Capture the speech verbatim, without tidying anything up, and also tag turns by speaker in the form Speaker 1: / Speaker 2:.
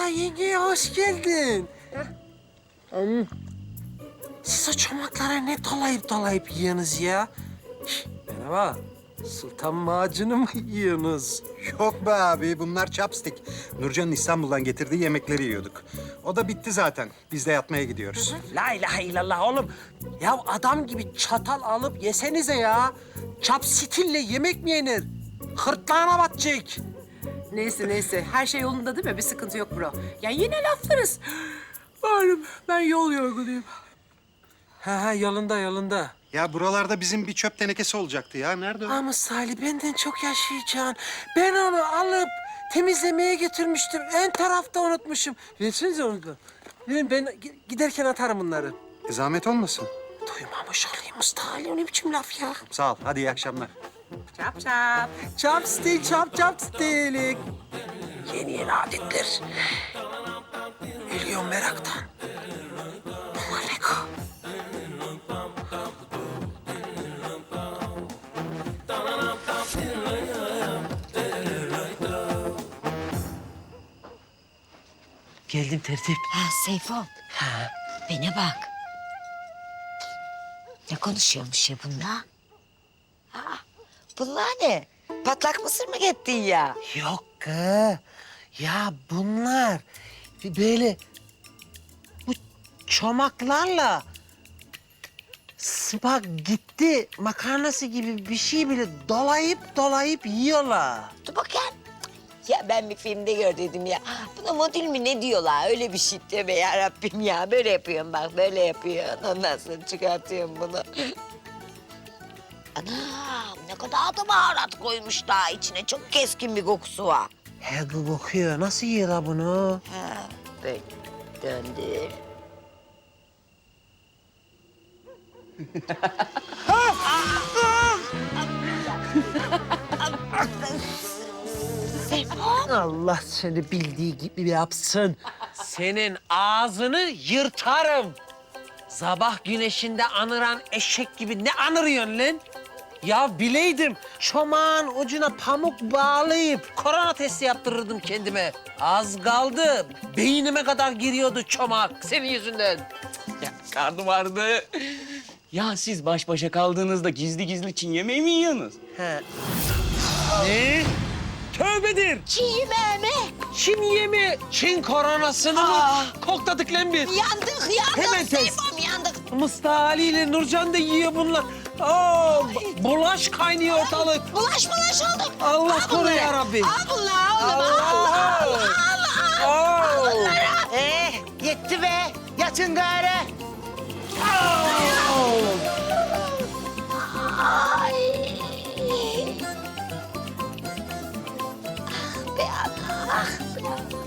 Speaker 1: yenge hoş geldin. Hmm. Siz o çomaklara ne dolayıp dolayıp yiyorsunuz ya? Şişt, merhaba. Sultan macunu mu yiyorsunuz?
Speaker 2: Yok be abi, bunlar chopstick. Nurcan'ın İstanbul'dan getirdiği yemekleri yiyorduk. O da bitti zaten. Biz de yatmaya gidiyoruz.
Speaker 1: La ilahe illallah oğlum. Ya adam gibi çatal alıp yesenize ya. Çapstille yemek mi yenir? Hırtlağına batacak.
Speaker 3: Neyse neyse her şey yolunda değil mi? Bir sıkıntı yok bro. Ya yine laflarız. Malum ben yol yorgunuyum.
Speaker 1: Ha ha yolunda yolunda.
Speaker 2: Ya buralarda bizim bir çöp tenekesi olacaktı ya. Nerede o?
Speaker 1: Ama Salih benden çok yaşayacaksın. Ben onu alıp temizlemeye getirmiştim. En tarafta unutmuşum. Versenize onu da. Verin ben giderken atarım bunları.
Speaker 2: E, zahmet olmasın.
Speaker 1: Duymamış olayım usta Ali. O ne biçim laf ya?
Speaker 2: Sağ ol. Hadi iyi akşamlar.
Speaker 3: Çap çap.
Speaker 1: Chopstick, chop chopstick. Yeni yeni adetler. Ölüyorum meraktan. Aleko. Geldim tertip.
Speaker 4: Ha Seyfo. Ha. Bana bak. Ne konuşuyormuş ya bunlar? Ha, bunlar ne? Patlak mısır mı gittin ya?
Speaker 1: Yok kız. Ya bunlar böyle bu çomaklarla spagetti makarnası gibi bir şey bile dolayıp dolayıp yiyorlar.
Speaker 4: Dur bakayım. Ya ben bir filmde gördüm ya. Buna modül mü ne diyorlar? Öyle bir şey deme ya Rabbim ya. Böyle yapıyorum bak, böyle yapıyorsun. Ondan sonra çıkartıyorum bunu. Anam ne kadar da baharat koymuşlar içine. Çok keskin bir kokusu var.
Speaker 1: He bu kokuyor. Nasıl yiyorlar bunu?
Speaker 4: Ha, böyle döndür.
Speaker 1: Allah seni bildiği gibi yapsın. Senin ağzını yırtarım. Sabah güneşinde anıran eşek gibi ne anırıyorsun lan? Ya bileydim çomağın ucuna pamuk bağlayıp korona testi yaptırırdım kendime. Az kaldı. Beynime kadar giriyordu çomak senin yüzünden.
Speaker 5: Ya karnım ağrıdı. Ya siz baş başa kaldığınızda gizli gizli Çin yemeği mi yiyorsunuz?
Speaker 1: He. Ne? Tövbedir.
Speaker 4: Çiğ yemeğimi.
Speaker 1: Çin yemi, Çin koronasını mı kokladık lan biz?
Speaker 4: Yandık, yandık.
Speaker 1: Hemen test.
Speaker 4: Seyfom yandık.
Speaker 1: Mustafa Ali ile Nurcan da yiyor bunlar. Aa, bu- bulaş kaynıyor ortalık.
Speaker 4: Bulaş bulaş olduk.
Speaker 1: Allah
Speaker 4: Al
Speaker 1: koru
Speaker 4: bunları.
Speaker 1: ya Rabbi.
Speaker 4: Al bunları oğlum. Allah Allah Allah.
Speaker 1: Aa.
Speaker 6: Eh, yetti be. Yatın gari.
Speaker 4: Be Allah.